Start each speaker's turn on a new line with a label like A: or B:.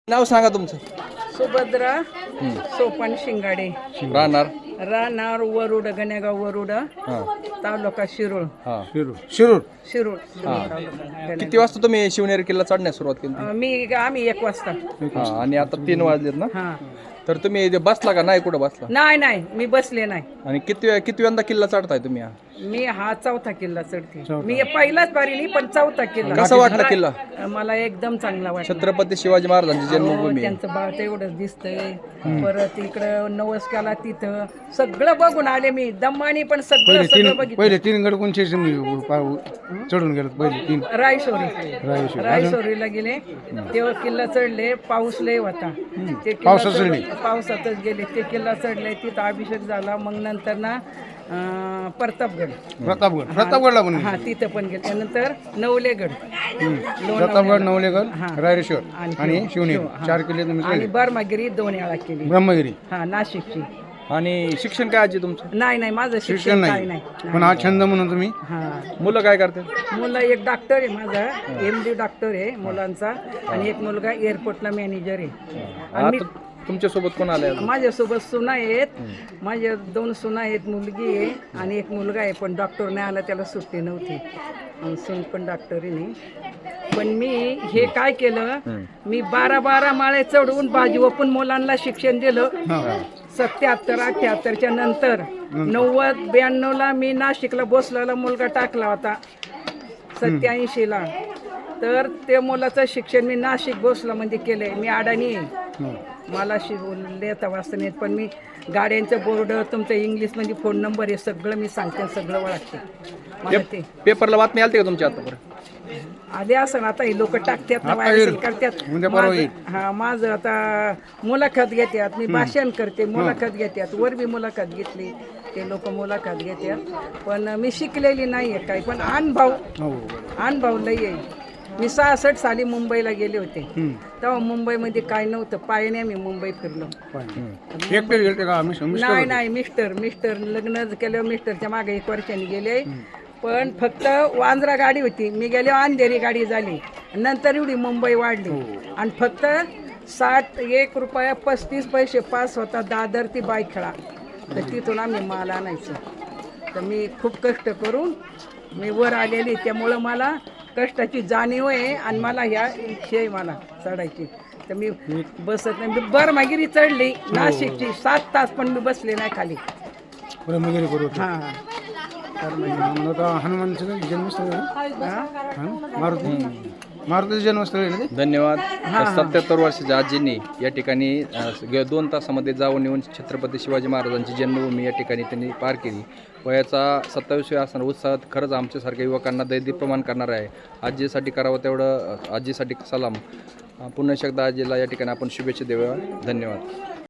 A: नाव सांगा तुमचं.
B: सुभद्रा सोपान शिंगाडे,
A: राहणार
B: राहणार वरुड, गणेगाव वरुड, तालुका शिरूळ.
A: शिरूर.
B: शिरूळ
A: किती वाजता तुम्ही शिवनेरी किल्ला चढण्यास सुरुवात केली?
B: आम्ही 1 वाजता.
A: आणि आता 3 वाजलेत ना?
B: हा
A: तर तुम्ही इथे बसला का नाही? कुठं बसला?
B: नाही मी बसले नाही.
A: आणि किती यंदा किल्ला चढताय तुम्ही?
B: मी हा 4था किल्ला चढते. मी पहिलाच बारी नाही, पण 4था किल्ला.
A: कसा वाटला किल्ला?
B: मला एकदम चांगला वाटला.
A: छत्रपती शिवाजी महाराजांची जन्मभूमी.
B: त्यांचं बाळ तेवढंच दिसतंय. परत इकडं नवसकाला तिथं सगळं बघून आले मी. दम्मानी पण सगळं बघितलं.
C: पहिले 3 गड कोणचे चढून गेलो? पहिले 3
B: रायसोरीला गेले तेव्हा किल्ला चढले. पाऊस लय होता. ते पावसातच गेले. ते किल्ला चढले. तिथं अभिषेक झाला. मग नंतर ना
C: प्रतापगडला पण
B: हा तिथं पण गेले. त्यानंतर नवलेगड,
C: प्रतापगड, नवलेगड, रायरेश्वर आणि शिवनेरी 4 किल्ले तुम्ही
B: आणि बर्मागिरी 2 वेळा केली.
C: ब्रह्मगिरी
B: हा नाशिकची.
A: आणि शिक्षण काय आजी तुमचं?
B: नाही माझं
C: शिक्षण
B: काही
C: नाही, पण हा छंद म्हणून तुम्ही.
B: हा
A: मुलं काय करतात?
B: मुलं एक डॉक्टर आहे माझा, MD डॉक्टर आहे मुलांचा, आणि एक मुलगा एअरपोर्टला मॅनेजर आहे. आणि
A: तुमच्या सोबत कोण आले?
B: माझ्यासोबत सुना आहेत. माझ्या 2 सुना आहेत, मुलगी आहे आणि एक मुलगा आहे. पण डॉक्टर नाही आला, त्याला सुट्टी नव्हती. सून पण डॉक्टरी नाही. पण मी हे काय केलं, मी 12 माळे चढवून बाजी ओपून मुलांना शिक्षण दिलं. 77, 78च्या नंतर 90, 92ला मी नाशिकला भोसलेला मुलगा टाकला होता. 87ला तर ते मुलाचं शिक्षण मी नाशिक भोसला म्हणजे केलंय. मी अडाणी आहे. मला लिहिता वाचता नाही, पण मी गाड्यांचं बोर्ड, तुमचं इंग्लिशमध्ये फोन नंबर हे सगळं मी सांगते, सगळं ओळखते. मला ते
A: पेपरला बातमी आलते का तुमच्या आतापर्यंत?
B: आले असं आता हे लोक टाकतात ना, व्हायरल करतात. हा माझं आता मुलाखत घेतात, मी भाषण करते, मुलाखत घेतात. वर बी मुलाखत घेतली, ते लोक मुलाखत घेतात. पण मी शिकलेली नाही आहे काही, पण अनुभव लई आहे. मी 66 साली मुंबईला गेले होते. तेव्हा मुंबईमध्ये काय नव्हतं. पायाने मी मुंबई फिरलो. नाही मिस्टर लग्न केल्यावर मिस्टरच्या मागे 1 वर्षांनी गेले. पण फक्त वांद्रा गाडी होती, मी गेले अंधेरी गाडी झाली. नंतर एवढी मुंबई वाढली. आणि फक्त 61 रुपया 35 पैसे पास होता दादर ती बायखेळा. तर तिथून आम्ही माल आणायचो. तर मी खूप कष्ट करून मी वर आलेली, त्यामुळं मला कष्टाची जाणीव आहे. आणि मला ह्या इच्छा आहे मला चढायची. तर मी बसत नाही. मी बर्मागिरी चढली नाशिकची 7 तास, पण मी बसले नाही खाली.
C: हनुमानचं जन्मस्थळ, मारुतीचं जन्मस्थळ आहे ना.
A: धन्यवाद. 77 वर्षाच्या आजींनी या ठिकाणी 2 तासामध्ये जाऊन येऊन छत्रपती शिवाजी महाराजांची जन्मभूमी या ठिकाणी त्यांनी पार केली. वयाचा 27व्या असणारा उत्साह खरंच आमच्यासारख्या युवकांना दैदीप्यमान करणार आहे. आजीसाठी करावं तेवढं आजीसाठी सलाम. पुन्हा एकदा आजीला या ठिकाणी आपण शुभेच्छा देऊया. धन्यवाद.